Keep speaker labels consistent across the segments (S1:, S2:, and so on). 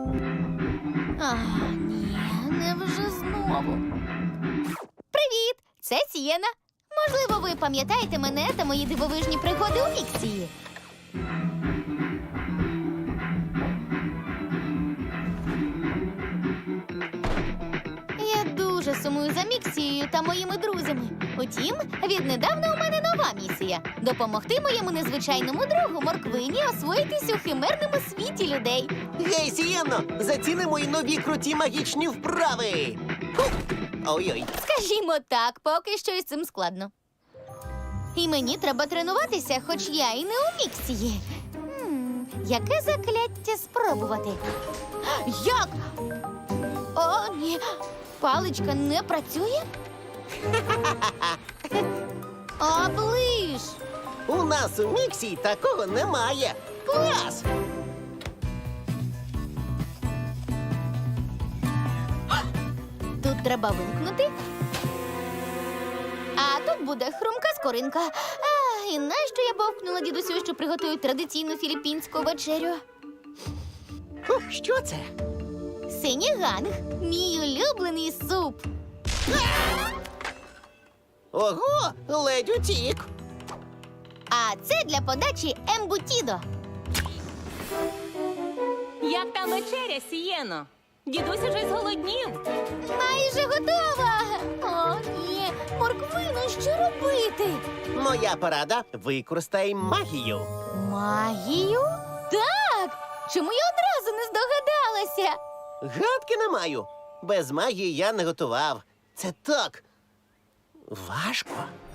S1: Ні, невже знову. Привіт! Це Сієна. Можливо, ви пам'ятаєте мене та мої дивовижні пригоди у Міксії. Я дуже сумую за Міксією та моїми друзями. Утім, віднедавна у мене нова місія – допомогти моєму незвичайному другу Морквині освоїтись у химерному світі людей.
S2: Гей, Сієнно, заціни мої нові круті магічні вправи. Хух! Ой-ой.
S1: Скажімо так, поки що із цим складно. І мені треба тренуватися, хоч я і не у Міксії. Яке закляття спробувати? Як? О, ні. Паличка не працює? Оближ!
S2: У нас у Міксі такого немає. Клас!
S1: Тут треба вимкнути. А тут буде хрумка скоринка. І нащо я бовкнула дідусю, що приготують традиційну філіппінську вечерю?
S2: Хух, що це?
S1: Синіганг – мій улюблений суп.
S2: Ого, ледь утік.
S1: А це для подачі ембутідо.
S3: Як там вечеря, Сієно? Дідусь уже зголоднів.
S1: Майже готова. О, ні. Морквино, що робити?
S2: Моя порада – використай магію.
S1: Магію? Так! Чому я одразу не здогадалася?
S2: Гадки не маю. Без магії я не готував. Це так важко.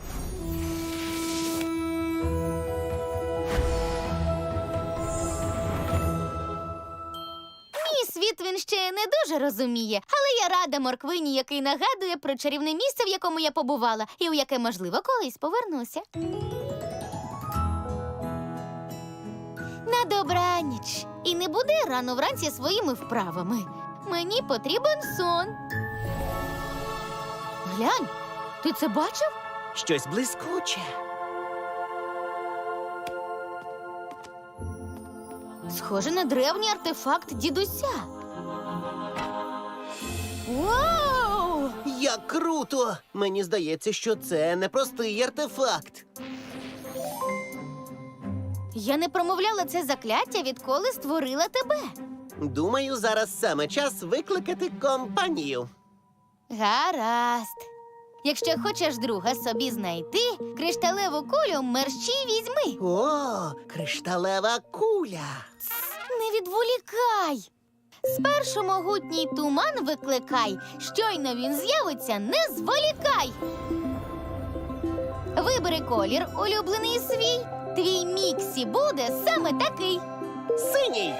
S1: Мій світ він ще не дуже розуміє, але я рада Морквині, який нагадує про чарівне місце, в якому я побувала, і у яке, можливо, колись повернуся. На добраніч. І не буди рано вранці своїми вправами. Мені потрібен сон. Глянь, ти це бачив?
S2: Щось блискуче.
S1: Схоже на древній артефакт дідуся. Вау!
S2: Як круто! Мені здається, що це не простий артефакт.
S1: Я не промовляла це закляття, відколи створила тебе.
S2: Думаю, зараз саме час викликати компанію.
S1: Гаразд. Якщо хочеш друга собі знайти, кришталеву кулю мерщій візьми.
S2: О, кришталева куля.
S1: Не відволікай. Спершу могутній туман викликай. Щойно він з'явиться, не зволікай. Вибери колір, улюблений свій. Твій Міксі буде саме такий.
S2: Синій.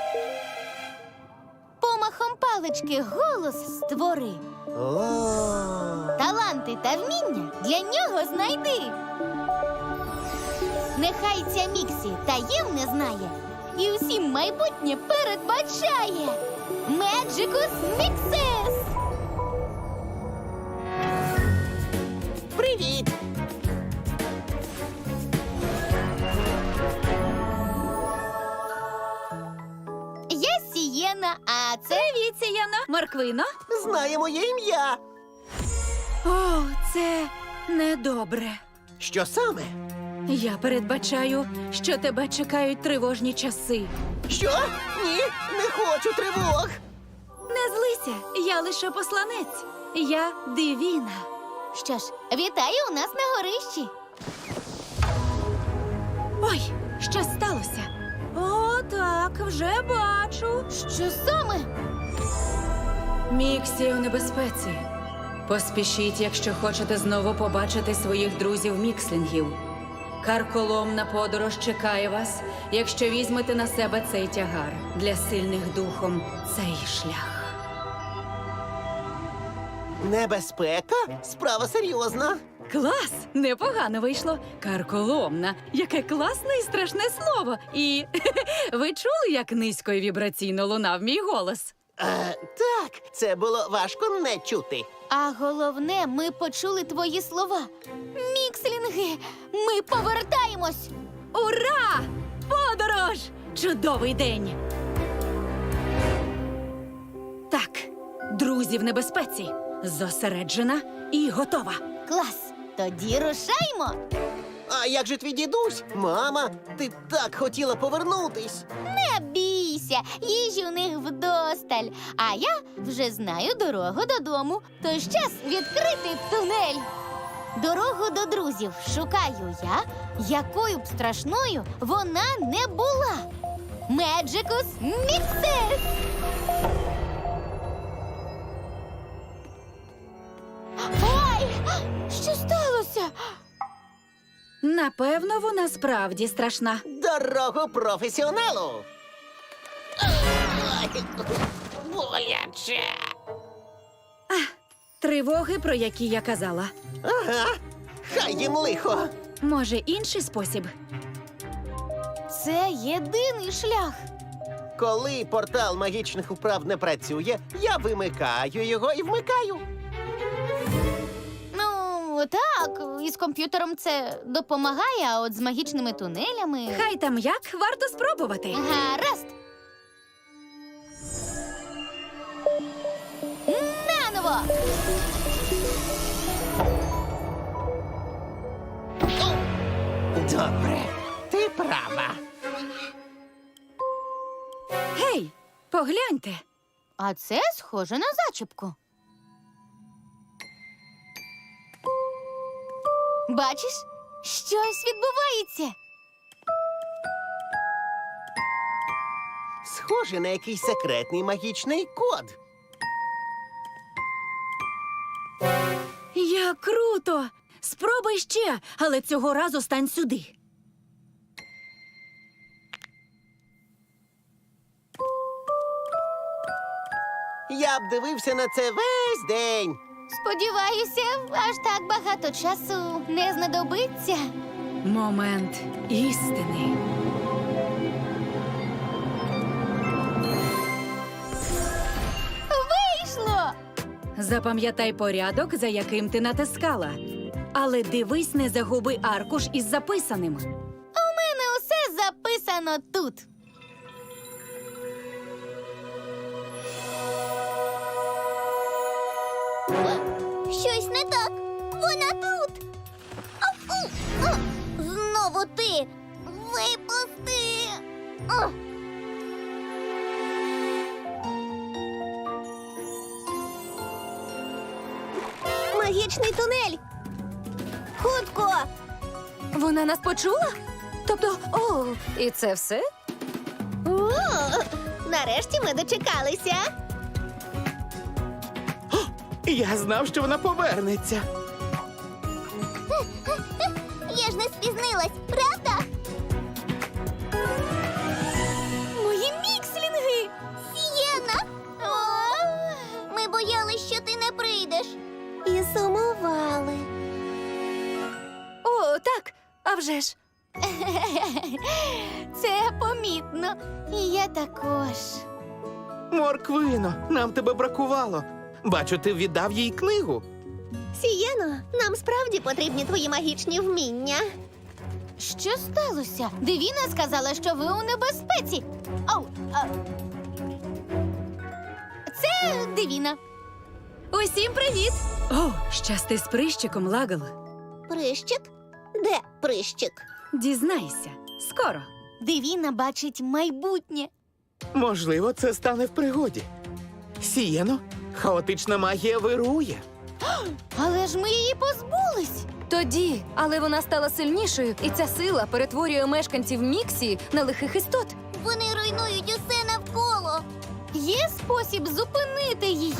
S1: Помахом палички голос створи.
S2: О,
S1: Таланти та вміння для нього знайди. Нехай ця Міксі таємне знає і усім майбутнє передбачає. Меджикус Міксес!
S2: привіт!
S1: Я Сієна, а це...
S3: Привіт, Сієно. Морквино?
S2: Знає моє ім'я.
S4: О, це недобре.
S2: Що саме?
S4: Я передбачаю, що тебе чекають тривожні часи.
S2: Що? Ні, не хочу тривог.
S4: Не злися, я лише посланець. Я Дивіна.
S1: Що ж, вітаю у нас на горищі.
S4: Ой, що сталося? О, так, вже бачу.
S1: Що саме?
S4: Міксі у небезпеці. Поспішіть, якщо хочете знову побачити своїх друзів-мікслінгів. Карколомна подорож чекає вас, якщо візьмете на себе цей тягар. Для сильних духом цей шлях.
S2: Небезпека? Справа серйозна.
S4: Клас! Непогано вийшло. Карколомна. Яке класне і страшне слово. І ви чули, як низько і вібраційно лунав мій голос?
S2: Так, це було важко не чути.
S1: А головне, ми почули твої слова. Мікслінги, ми повертаємось!
S4: Ура! 'Ура! 'Подорож! Чудовий день!
S1: Ой, що саме?
S4: Міксі у небезпеці. Поспішіть, якщо хочете знову побачити своїх друзів-мікслінгів. Карколомна подорож чекає вас, якщо візьмете на себе цей тягар. Для сильних духом цей шлях.
S1: Ура! Подорож!
S4: Друзі в небезпеці. Зосереджена і готова.
S1: Клас! Тоді рушаймо!
S2: А як же твій дідусь? Мама, ти так хотіла повернутись.
S1: Не бійся, їжі у них вдосталь. А я вже знаю дорогу додому. Тож час відкрити тунель. Дорогу до друзів шукаю я, якою б страшною вона не була. Меджикус Міксер! Ой! Що сталося?
S4: Напевно, вона справді страшна.
S2: Дорогу професіоналу. Ой, боляче.
S4: Тривоги, про які я казала.
S2: Ага, хай їм лихо.
S4: Може, інший спосіб?
S1: Це єдиний шлях.
S2: Коли портал магічних управ не працює, я вимикаю його і вмикаю.
S1: Ну, так, із комп'ютером це допомагає, а от з магічними тунелями.
S4: Хай там як, варто спробувати.
S1: Гаразд. Наново.
S2: Добре, ти права.
S4: Гей, погляньте.
S1: А це схоже на зачіпку. Бачиш, щось відбувається.
S2: Схоже на якийсь секретний магічний код.
S4: Як круто! Спробуй ще, але цього разу стань сюди.
S2: Я б дивився на це весь день.
S1: Сподіваюся, аж так багато часу не знадобиться.
S4: Момент істини.
S1: Вийшло!
S4: Запам'ятай порядок, за яким ти натискала. Але дивись, не загуби аркуш із записаним.
S1: У мене усе записано тут.
S5: Щось не так. Вона тут. Знову ти. Випусти. Магічний тунель. Хутко.
S3: Вона нас почула? Тобто, і це все?
S5: О, нарешті ми дочекалися.
S6: Я знав, що вона повернеться.
S5: Я ж не спізнилась, правда?
S1: Мої мікслінги!
S5: Сієна! Ми боялись, що ти не прийдеш. І сумували.
S3: О, так, а вже ж.
S1: Це помітно. І я також.
S6: Морквино, нам тебе бракувало. Бачу, ти віддав їй книгу.
S5: Сієно, нам справді потрібні твої магічні вміння.
S1: Що сталося? Девіна сказала, що ви у небезпеці. Ау, Це Девіна.
S4: Усім привіт! О, щасти з прищиком, Лагл.
S5: Прищик? Де прищик?
S4: Дізнайся. Скоро.
S1: Девіна бачить майбутнє.
S6: Можливо, це стане в пригоді. Сієно, хаотична магія вирує.
S1: Але ж ми її позбулись.
S3: Тоді, але вона стала сильнішою, і ця сила перетворює мешканців Міксії на лихих істот.
S5: Вони руйнують усе навколо.
S1: Є спосіб зупинити її.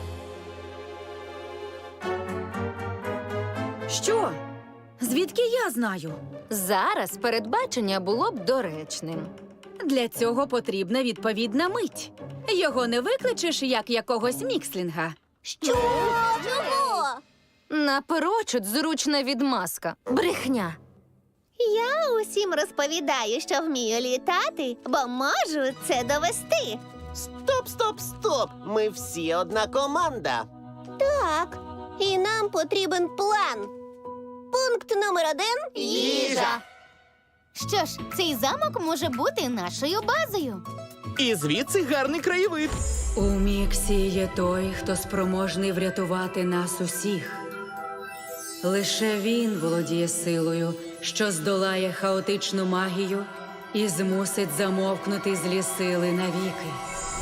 S4: Що? Звідки я знаю?
S3: Зараз передбачення було б доречним.
S4: Для цього потрібна відповідна мить. Його не викличеш як якогось мікслінга.
S5: Що? Чого?
S3: Наперечуд зручна відмазка. Брехня.
S5: Я усім розповідаю, що вмію літати, бо можу це довести.
S2: Стоп! Ми всі одна команда.
S5: Так, і нам потрібен план. Пункт номер 1 –
S1: Їжа. Що ж, цей замок може бути нашою базою.
S6: І звідси гарний краєвид.
S4: У Міксі є той, хто спроможний врятувати нас усіх. Лише він володіє силою, що здолає хаотичну магію і змусить замовкнути злі сили навіки.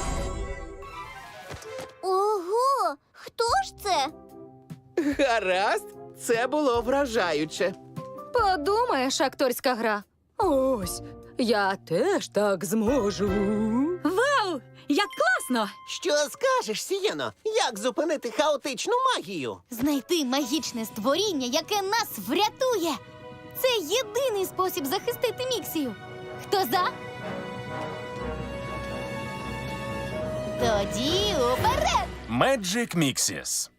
S1: Ого! Хто ж це?
S6: Гаразд, це було вражаюче.
S3: Подумаєш, акторська гра. Ось, я теж так зможу.
S4: Вау! Як класно!
S2: Що скажеш, Сієно? Як зупинити хаотичну магію?
S1: Знайти магічне створіння, яке нас врятує. Це єдиний спосіб захистити Міксію. Хто за? Тоді уперед!
S7: Magic Mixes.